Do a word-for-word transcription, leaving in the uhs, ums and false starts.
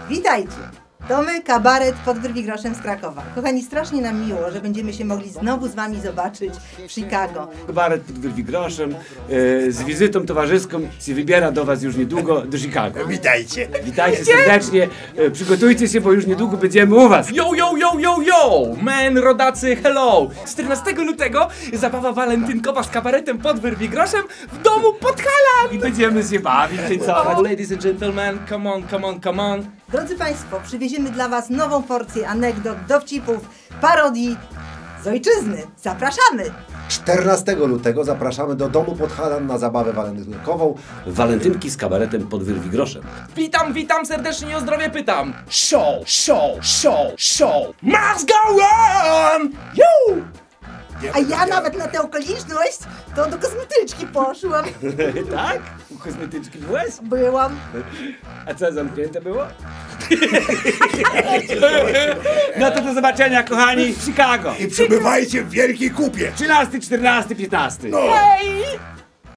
Witajcie! To my, kabaret pod Wyrwigroszem z Krakowa. Kochani, strasznie nam miło, że będziemy się mogli znowu z wami zobaczyć w Chicago. Kabaret pod Wyrwigroszem e, z wizytą towarzyską się wybiera do was już niedługo do Chicago. Witajcie! Witajcie serdecznie, e, przygotujcie się, bo już niedługo będziemy u was. Yo, yo, yo, yo, yo! Men, rodacy, hello! czternastego lutego zabawa walentynkowa z kabaretem pod Wyrwigroszem w domu Podhalan! I będziemy się bawić, czyli co? Oh, ladies and gentlemen, come on, come on, come on! Drodzy Państwo, przywieziemy dla was nową porcję anegdot, dowcipów, parodii z ojczyzny. Zapraszamy! czternastego lutego zapraszamy do domu Podhalan na zabawę walentynkową. Walentynki z kabaretem pod Wyrwigroszem. Witam, witam serdecznie i o zdrowie pytam! Show, show, show, show! Must go on! Yo! A ja nawet na tę okoliczność to do kosmetyczki poszłam. Tak? U kosmetyczki byłeś? Byłam. A co, zamknięte było? No to do zobaczenia, kochani, w Chicago. I przybywajcie w wielkiej kupie! trzynasty, czternasty, piętnasty. Hej!